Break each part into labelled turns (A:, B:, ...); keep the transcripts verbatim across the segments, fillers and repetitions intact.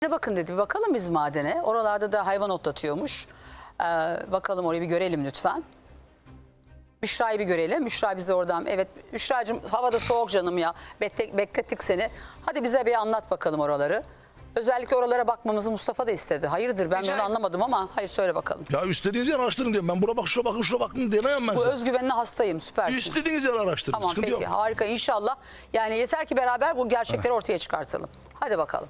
A: Bakın dedi, bir bakalım biz madene. Oralarda da hayvan otlatıyormuş. Ee, bakalım orayı bir görelim lütfen. Büşra'yı bir görelim. Büşra bize oradan, evet Büşra'cığım havada soğuk canım ya. Beklettik, beklettik seni. Hadi bize bir anlat bakalım oraları. Özellikle oralara bakmamızı Mustafa da istedi. Hayırdır ben
B: Rica
A: onu anlamadım ama hayır söyle bakalım.
C: Ya istediğiniz yer araştırın diyorum. Ben bura bak şuna bakın şuna bakın diyemem ben
A: Bu
C: size.
A: özgüvenine hastayım, süpersin.
C: İstediğiniz yer araştırın.
A: Tamam
C: Sıkıntı
A: peki
C: yok.
A: harika inşallah. Yani yeter ki beraber bu gerçekleri ortaya çıkartalım. Hadi bakalım.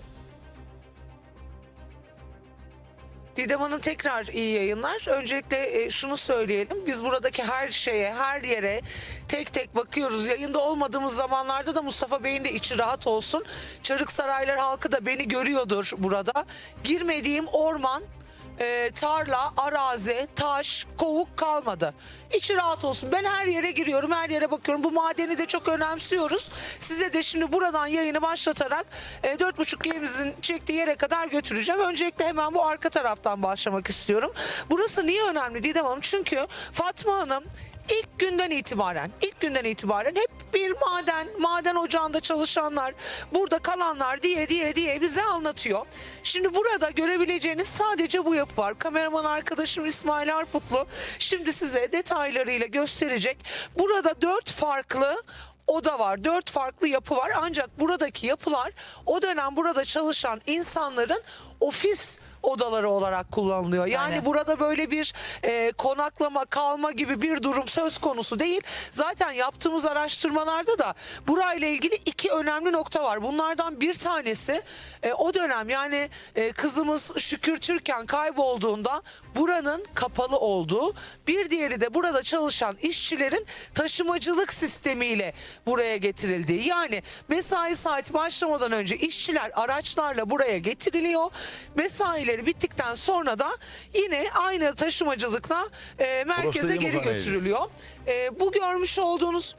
B: Didem Hanım tekrar iyi yayınlar. Öncelikle e, şunu söyleyelim. Biz buradaki her şeye, her yere tek tek bakıyoruz. Yayında olmadığımız zamanlarda da Mustafa Bey'in de içi rahat olsun. Çarıksaraylar halkı da beni görüyordur burada. Girmediğim orman, e, tarla, arazi, taş, kovuk kalmadı. İçi rahat olsun. Ben her yere giriyorum, her yere bakıyorum. Bu madeni de çok önemsiyoruz. Size de şimdi buradan yayını başlatarak e, dört buçuk G'mizin çektiği yere kadar götüreceğim. Öncelikle hemen bu arka taraftan başlamak istiyorum. Burası niye önemli Didem Hanım? Çünkü Fatma Hanım İlk günden itibaren, ilk günden itibaren hep bir maden, maden ocağında çalışanlar, burada kalanlar diye diye diye bize anlatıyor. Şimdi burada görebileceğiniz sadece bu yapı var. Kameraman arkadaşım İsmail Arputlu şimdi size detaylarıyla gösterecek. Burada dört farklı oda var. Dört farklı yapı var. Ancak buradaki yapılar o dönem burada çalışan insanların ofis odaları olarak kullanılıyor. Yani
A: Aynen.
B: burada böyle bir e, konaklama, kalma gibi bir durum söz konusu değil. Zaten yaptığımız araştırmalarda da burayla ilgili iki önemli nokta var. Bunlardan bir tanesi e, o dönem yani e, kızımız Şükür Türkan kaybolduğunda buranın kapalı olduğu, bir diğeri de burada çalışan işçilerin taşımacılık sistemiyle buraya getirildiği. Yani mesai saati başlamadan önce işçiler araçlarla buraya getiriliyor. Mesaileri bittikten sonra da yine aynı taşımacılıkla e, merkeze geri
C: yumurta
B: götürülüyor. E, bu görmüş olduğunuz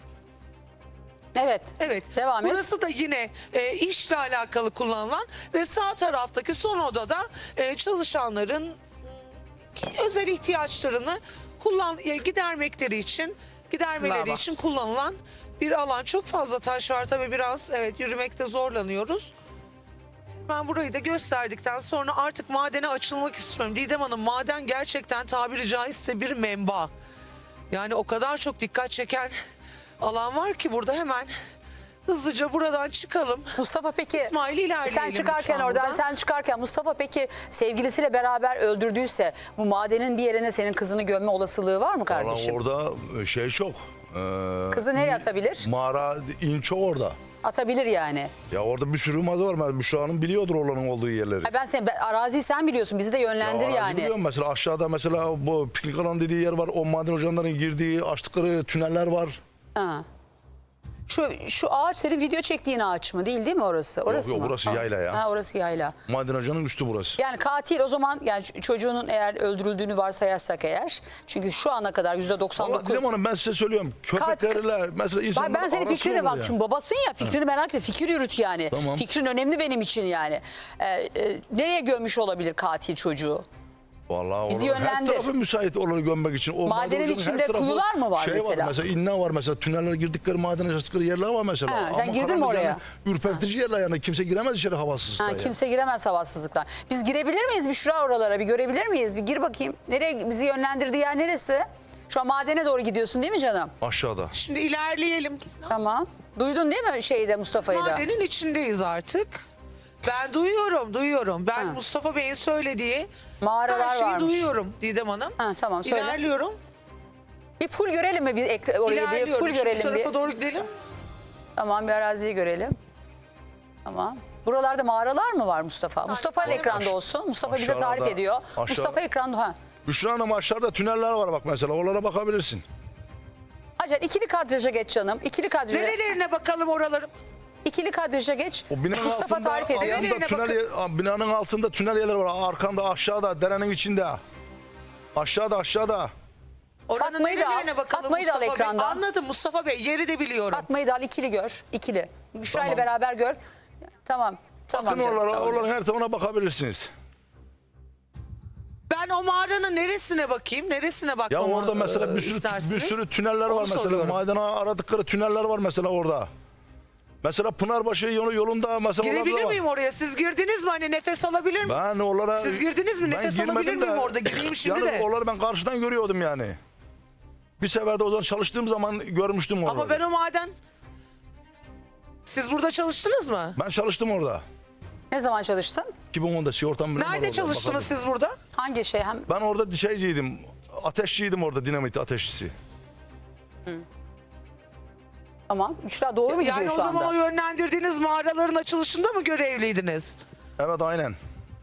A: Evet.
B: Evet.
A: Devam et.
B: Burası da yine e, işle alakalı kullanılan ve sağ taraftaki son odada e, çalışanların m, özel ihtiyaçlarını kullan e, gidermekleri için gidermeleri
A: Bravo.
B: için kullanılan bir alan. Çok fazla taş var tabii, biraz evet yürümekte zorlanıyoruz. Ben burayı da gösterdikten sonra artık madene açılmak istiyorum. Didem Hanım, maden gerçekten tabiri caizse bir menba. Yani o kadar çok dikkat çeken alan var ki burada, hemen hızlıca buradan çıkalım.
A: Mustafa peki
B: İsmail ilerleyelim
A: sen çıkarken
B: lütfen
A: oradan
B: buradan.
A: sen çıkarken Mustafa peki sevgilisiyle beraber öldürdüyse bu madenin bir yerine senin kızını gömme olasılığı var mı kardeşim?
C: Valla orada şey çok. Ee,
A: Kızı nereye atabilir?
C: Mağara in çok orada.
A: Atabilir yani.
C: Ya orada bir sürü mağaza var. Ben Büşra'nın biliyordur oranın olduğu yerleri.
A: Ha, Ben seni ben- araziyi sen biliyorsun, bizi de yönlendir
C: Ya arazi
A: yani.
C: biliyorum mesela, aşağıda mesela bu piknik alanı dediği yer var. O maden ocağlarının girdiği açtıkları tüneller var.
A: Ha. Şu şu ağaç senin video çektiğin ağaç mı? Değil değil mi orası? Orası
C: yok,
A: mı?
C: burası yayla ya.
A: Ha, orası yayla.
C: Maden ocağının üstü burası.
A: Yani katil o zaman, yani ç- çocuğunun eğer öldürüldüğünü varsayarsak eğer, çünkü şu ana kadar yüzde doksan
C: Valla
A: dokuz.
C: Didem Hanım, ben size söylüyorum. Köpeklerle mesela insanlar
A: Ben senin
C: arası
A: fikrine
C: olur
A: bak,
C: ya.
A: şimdi babasın ya, fikrini merak etme, fikir yürüt yani.
C: Tamam.
A: Fikrin önemli benim için yani. Ee, e, nereye gömmüş olabilir katil çocuğu?
C: Vallahi
A: Bizi
C: olur. Her
A: yönlendir.
C: tarafı müsait onları gömmek için. O
A: Madenin
C: maden ocağının
A: içinde
C: her tarafı
A: kuyular mı var
C: şey
A: mesela?
C: Var mesela, inne var mesela, tüneller girdikleri maden açtıkları yerler var mesela.
A: Ha, sen
C: Ama
A: girdin mi
C: karanlık
A: oraya?
C: Yani, ürpertici yerler yani, kimse giremez içeri havasızlıktan.
A: Ha,
C: yani.
A: kimse giremez havasızlıktan. Biz girebilir miyiz bir şura oralara, bir görebilir miyiz? Bir gir bakayım. Nereye bizi yönlendirdiği yer neresi? Şu an madene doğru gidiyorsun değil mi canım?
C: Aşağıda.
B: Şimdi ilerleyelim.
A: Tamam. Duydun değil mi şeyde, Mustafa'yı da?
B: Madenin içindeyiz artık. Ben duyuyorum, duyuyorum. Ben
A: Ha.
B: Mustafa Bey'in söylediği
A: Mağaralar
B: her şeyi
A: varmış.
B: duyuyorum Didem Hanım.
A: Ha, tamam söyle.
B: İlerliyorum.
A: Bir full görelim mi bir ekra- orayı, bir
B: İlerliyorum.
A: full
B: Şimdi bu
A: görelim
B: tarafa
A: bir.
B: doğru gidelim.
A: Tamam, bir araziyi görelim. Tamam. Buralarda mağaralar mı var Mustafa? Mustafa da ekranda olsun. Mustafa bize
C: Aşağıda,
A: tarif ediyor.
C: aşağı-
A: Mustafa ekranda. Ha.
C: Büşra Hanım, aşağıda tüneller var bak mesela, oralara bakabilirsin.
A: Hacer ikili kadraja geç canım. İkili kadraja.
B: Nerelerine bakalım oralarım?
A: İkili kadraja geç.
C: O binanın
A: Mustafa
C: altında,
A: tarif ediyor.
C: altında
B: Nerelerine
C: tünel, yer- binanın altında tünel yerler var. Arkanda, aşağıda, derenin içinde. Aşağıda, aşağıda.
B: Oranın
A: Fatma'yı da al,
B: nerelerine bakalım
A: Fatma'yı da al
B: Mustafa Bey?
A: ekrandan.
B: Anladım Mustafa Bey, yeri de biliyorum.
A: Fatma'yı da al, ikili gör. İkili. Büşra ile
C: Tamam.
A: beraber gör. Tamam. Tamam
C: Bakın
A: canım,
C: oralara,
A: tamam.
C: oraların her tarafına bakabilirsiniz.
B: Ben o mağaranın neresine bakayım? Neresine
C: Ya
B: bakmamı
C: orada mesela bir
B: e,
C: sürü,
B: istersiniz?
C: bir sürü tüneller
B: Onu
C: var mesela.
B: soruyorum.
C: Madene aradıkları tüneller var mesela orada. Mesela Pınarbaşı yolu yolunda mesela orada
B: Girebilir
C: da var.
B: miyim oraya? Siz girdiniz mi? Hani nefes alabilir miyim?
C: Ben oralara...
B: Siz girdiniz mi?
C: Ben
B: Nefes
C: girmedim
B: alabilir miyim
C: de-
B: orada? Gireyim şimdi
C: yani
B: de.
C: oraları ben karşıdan görüyordum yani. Bir sefer de o zaman çalıştığım zaman görmüştüm oraları.
B: Ama ben o maden... Siz burada çalıştınız mı?
C: Ben çalıştım orada.
A: Ne zaman çalıştın?
C: iki bin onda sigortam benim var
B: Nerede
C: orada,
B: çalıştınız
C: bakalım.
B: siz burada?
A: Hangi şey? Hem
C: Ben orada şeyciydim. Ateşçiydim orada, dinamit ateşçisi.
A: tamam. Büşra doğru mu gidiyor
B: Yani o
A: şu
B: zaman
A: anda?
B: o yönlendirdiğiniz mağaraların açılışında mı görevliydiniz?
C: Evet aynen.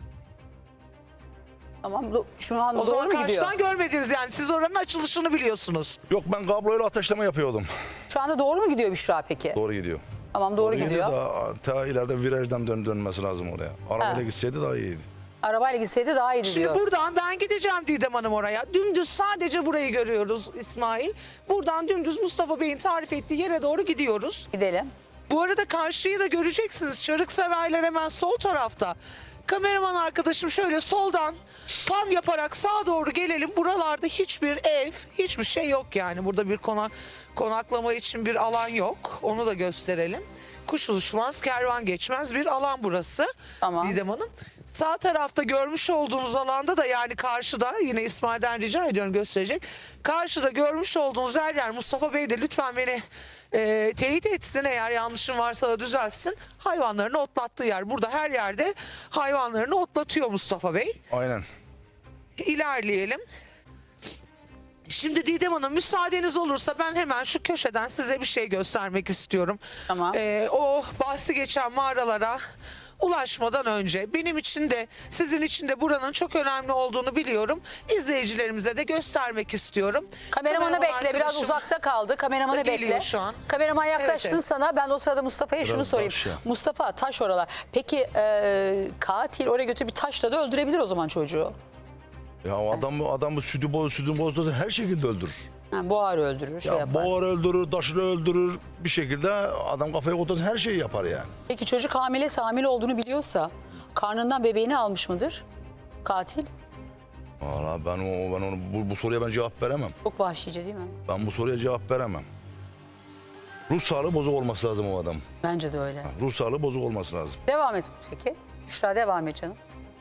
A: Tamam. do- Şu an
B: O
A: doğru
B: zaman
A: mu gidiyor?
B: karşıdan görmediniz yani. Siz oranın açılışını biliyorsunuz.
C: Yok ben kabloyla ateşleme yapıyordum.
A: Şu anda doğru mu gidiyor Büşra peki?
C: Doğru gidiyor.
A: Tamam doğru, gidiyor.
C: Da, ta ileride virajdan dön, dönmesi lazım oraya. Arabayla
A: Ha.
C: gitseydi daha iyiydi.
A: Arabayla gitseydi daha iyiydi
B: Şimdi
A: diyor.
B: buradan ben gideceğim Didem Hanım oraya. Dümdüz sadece burayı görüyoruz İsmail. Buradan dümdüz Mustafa Bey'in tarif ettiği yere doğru gidiyoruz.
A: Gidelim.
B: Bu arada karşıyı da göreceksiniz. Çarık Saraylar hemen sol tarafta. Kameraman arkadaşım şöyle soldan pan yaparak sağa doğru gelelim. Buralarda hiçbir ev, hiçbir şey yok yani. Burada bir konak, konaklama için bir alan yok. Onu da gösterelim. Kuş uçmaz, kervan geçmez bir alan burası.
A: Tamam.
B: Didem Hanım. Sağ tarafta görmüş olduğunuz alanda da yani karşıda yine İsmail'den rica ediyorum gösterecek. Karşıda görmüş olduğunuz her yer Mustafa Bey de lütfen beni e, teyit etsin eğer yanlışım varsa da düzeltsin. Hayvanlarını otlattığı yer. Burada her yerde hayvanlarını otlatıyor Mustafa Bey.
C: Aynen.
B: İlerleyelim. Şimdi Didem Hanım müsaadeniz olursa ben hemen şu köşeden size bir şey göstermek istiyorum.
A: Tamam.
B: Ee, o bahsi geçen mağaralara ulaşmadan önce benim için de sizin için de buranın çok önemli olduğunu biliyorum. İzleyicilerimize de göstermek istiyorum.
A: Kameramanı
B: Kameraman
A: bekle. Biraz
B: arkadaşım
A: uzakta kaldı. Kameramanı
B: da geliyor
A: bekle.
B: şu an.
A: Kameraman yaklaştın
B: Evet, evet.
A: sana. Ben de o sırada Mustafa'ya şunu
C: Biraz
A: sorayım.
C: taş ya.
A: Mustafa taş oralar. Peki e, katil oraya götürüp bir taşla da öldürebilir o zaman çocuğu.
C: Ya o adam adamı sütü boz sütü bozdursa her şekilde öldürür.
A: Yani boğar öldürür, şey
C: Ya
A: yapar.
C: boğar öldürür, taşır öldürür. Bir şekilde adam kafaya koyarsa her şeyi yapar yani.
A: Peki çocuk hamilesi hamile olduğunu biliyorsa karnından bebeğini almış mıdır katil?
C: Valla ben o ben onu bu, bu soruya ben cevap veremem.
A: Çok vahşice değil mi?
C: Ben bu soruya cevap veremem. Ruh sağlığı bozuk olması lazım o adam.
A: Bence de öyle.
C: Ruh sağlığı bozuk olması lazım.
A: Devam et peki. Büşra devam et canım.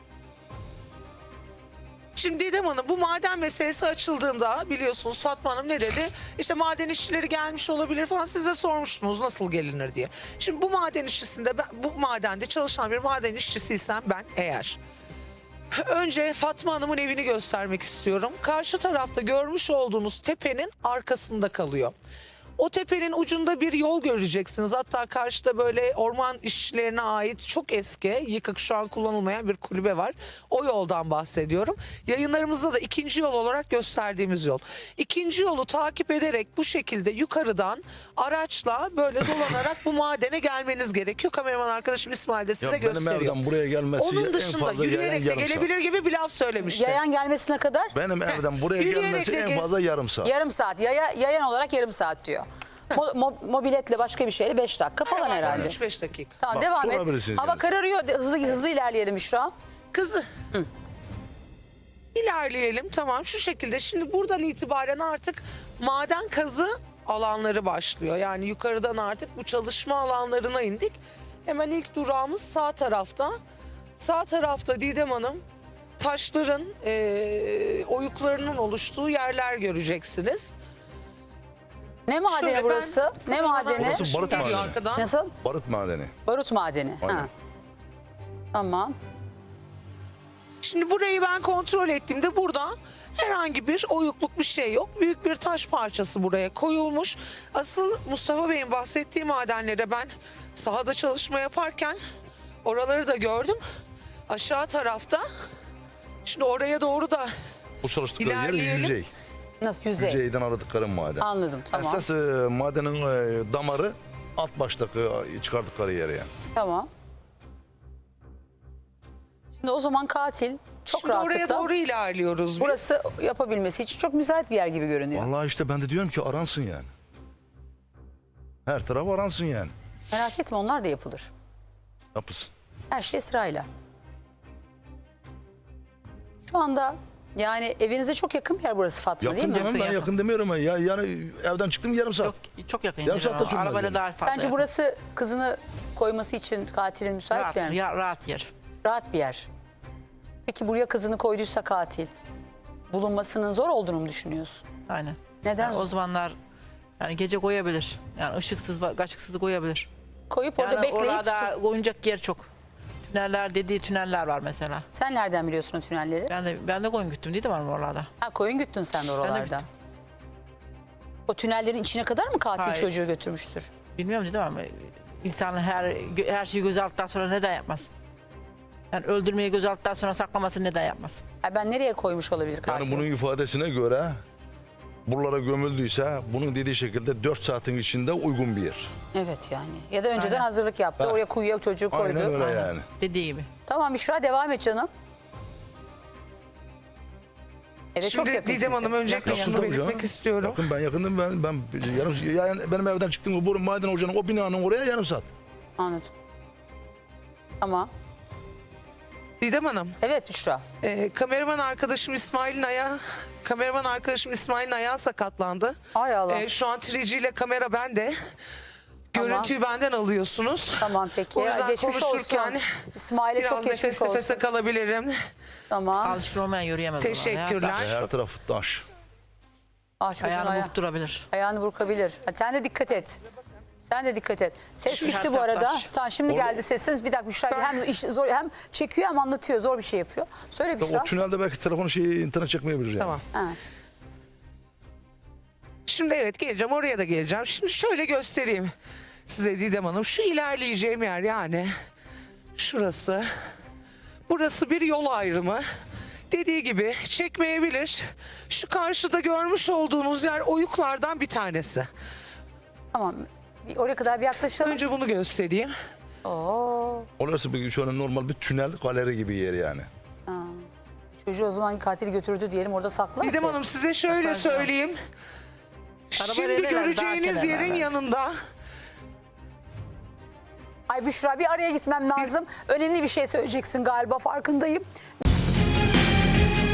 B: Şimdi Didem Hanım bu maden meselesi açıldığında biliyorsunuz Fatma Hanım ne dedi? İşte maden işçileri gelmiş olabilir falan siz de sormuştunuz nasıl gelinir diye. Şimdi bu maden işçisinde ben, bu madende çalışan bir maden işçisiysem ben eğer önce Fatma Hanım'ın evini göstermek istiyorum. Karşı tarafta görmüş olduğunuz tepenin arkasında kalıyor. O tepenin ucunda bir yol göreceksiniz. Hatta karşıda böyle orman işçilerine ait çok eski, yıkık şu an kullanılmayan bir kulübe var. O yoldan bahsediyorum. Yayınlarımızda da ikinci yol olarak gösterdiğimiz yol. İkinci yolu takip ederek bu şekilde yukarıdan araçla böyle dolanarak bu madene gelmeniz gerekiyor. Kameraman arkadaşım İsmail de size
C: Ya benim
B: gösteriyor.
C: evden buraya gelmesi
B: Onun
C: en
B: dışında
C: fazla yayan
B: yürüyerek de
C: yarım saat.
B: gelebilir gibi bir laf söylemişti.
A: Yayan gelmesine kadar
C: Benim evden buraya
B: Yürüyerek
C: gelmesi
B: de
C: en
B: gel-
C: fazla yarım saat.
A: yarım saat. Yaya, yayan olarak yarım saat diyor. Mo- mo- mobiletle başka bir şeyle beş dakika falan herhalde.
B: üç beş dakika.
A: Tamam
C: Bak,
A: devam et.
C: sorabilirsiniz
A: Hava
C: yalnız.
A: kararıyor. Hızlı hızlı ilerleyelim Büşra.
B: Kızı. İlerleyelim tamam şu şekilde. Şimdi buradan itibaren artık maden kazı alanları başlıyor. Yani yukarıdan artık bu çalışma alanlarına indik. Hemen ilk durağımız sağ tarafta. Sağ tarafta Didem Hanım taşların eee, oyuklarının oluştuğu yerler göreceksiniz.
A: Ne madeni
B: Şöyle ben-
A: burası? Ne madeni?
C: Burası
B: Şimdi
C: barut
B: geliyor
C: madeni.
B: arkadan.
A: Nasıl?
C: Barut madeni.
A: Barut madeni.
C: Aynen.
A: Ha. Tamam.
B: Şimdi burayı ben kontrol ettiğimde burada herhangi bir oyukluk bir şey yok. Büyük bir taş parçası buraya koyulmuş. Asıl Mustafa Bey'in bahsettiği madenlere ben sahada çalışma yaparken oraları da gördüm. Aşağı tarafta. Şimdi oraya doğru da
C: Bu çalıştıkları yer
B: İlerleyelim.
C: yüzey.
A: Nasıl yüzey?
C: Yüzeyden aradıkları maden.
A: Anladım tamam.
C: Esas e, madenin e, damarı alt baştaki e, çıkardıkları yer yani.
A: Tamam. Şimdi o zaman katil çok
B: şimdi oraya
A: rahatlıkla
B: doğru ilerliyoruz biz.
A: burası yapabilmesi için çok müsait bir yer gibi görünüyor.
C: Vallahi işte ben de diyorum ki aransın yani. Her taraf aransın yani.
A: Merak etme onlar da yapılır.
C: Yapısın.
A: Her şey sırayla. Şu anda Yani evinize çok yakın bir yer burası Fatma,
C: Yakın
A: değil mi?
C: canım, ben
D: Yakın,
C: yakın demiyorum. Ya, yani evden çıktım yarım saat.
D: Çok, çok yakın.
C: Yarım saatte sürmez
D: Arabayla
C: yani.
D: daha fazla.
A: Sence
D: yakın.
A: burası kızını koyması için katilin müsait
D: rahat,
A: bir yer mi?
D: ya, rahat yer.
A: Rahat bir yer. Peki buraya kızını koyduysa katil, bulunmasının zor olduğunu mu düşünüyorsun?
D: Aynen.
A: Neden?
D: Yani o zamanlar yani gece koyabilir. Yani ışıksız, ışıksız koyabilir.
A: Koyup orada
D: Yani
A: bekleyip...
D: orada oyuncak yer çok. Tüneller dediği tüneller var mesela.
A: Sen nereden biliyorsun o tünelleri?
D: Ben de ben de koyun güttüm değil mi oralarda?
A: Ha, koyun güttün sen de oralarda.
D: güttüm.
A: O tünellerin içine kadar mı katil
D: Hayır.
A: çocuğu götürmüştür?
D: Bilmiyorum dedim ama insan her her şeyi göze aldıktan sonra neden yapmaz? Yani öldürmeyi göze aldıktan sonra saklaması neden yapmaz?
A: Ay, ben nereye koymuş olabilir katil?
C: Yani bunun ifadesine göre buralara gömüldüyse bunun dediği şekilde dört saatin içinde uygun bir yer.
A: Evet yani. Ya da önceden
D: Aynen.
A: hazırlık yaptı.
C: Ha.
A: Oraya kuyuya çocuğu koydu.
C: Aynen öyle
D: Aynen.
C: yani.
D: Dediği gibi.
A: Tamam Büşra, devam et canım. Evet, çok
B: Şimdi
A: yakın.
B: Didem Hanım öncelikle
D: Yakın,
B: şunu
C: tabii
B: belirtmek
C: canım.
B: istiyorum.
C: Bakın ben yakındım, ben ben yarım yani benim evden çıktığım bu maden ocağının o binanın oraya yarım saat.
A: Anladım. Tamam.
B: Didem Hanım,
A: Evet Büşra.
B: e, kameraman arkadaşım İsmail'in ayağı, kameraman arkadaşım İsmail'in ayağı sakatlandı.
A: Ay Allah.
B: E, şu an üç G ile kamera bende.
A: Tamam.
B: Görüntüyü benden alıyorsunuz.
A: Tamam peki.
B: O yüzden
A: Geçmiş
B: konuşurken
A: olsun. İsmail'e çok
B: Biraz
A: geçmiş
B: nefes
A: olsun.
B: nefese kalabilirim.
A: Tamam.
D: Alışkın olmayan yürüyemez. oralarda.
B: Teşekkürler.
C: Her taraf taş.
A: Ah, çocuğun
D: Ayağını
A: aya-
D: burkturabilir.
A: ayağını burkabilir. Ha, sen de dikkat et. Sen de dikkat et. Ses
D: Şu
A: gitti
D: her
A: bu arada.
D: taraftar.
A: Tamam, şimdi
C: Orada-
A: geldi sesiniz. Bir dakika Büşra, hem iş zor, hem çekiyor hem anlatıyor. Zor bir şey yapıyor. Söyle Büşra.
C: O tünelde belki telefonu şeyi internet çekmeyebilir yani.
B: Tamam.
A: Ha.
B: Şimdi evet geleceğim, oraya da geleceğim. Şimdi şöyle göstereyim size Didem Hanım. Şu ilerleyeceğim yer yani şurası. Burası bir yol ayrımı. Dediği gibi çekmeyebilir. Şu karşıda görmüş olduğunuz yer oyuklardan bir tanesi.
A: Tamam. Bir oraya kadar bir yaklaşalım.
B: Önce bunu göstereyim.
A: Oo.
C: Orası bir şöyle normal bir tünel galeri gibi yer yani.
A: Çocuğu o zaman katil götürdü diyelim, orada saklar
B: Didem
A: ki.
B: Hanım size şöyle
D: Yaparız ya.
B: söyleyeyim.
D: Arabayla
B: Şimdi
D: inerler, daha
B: göreceğiniz
D: kenarlar
B: yerin
D: belki.
B: yanında
A: Ay Büşra, bir araya gitmem lazım. Önemli bir şey söyleyeceksin galiba, farkındayım.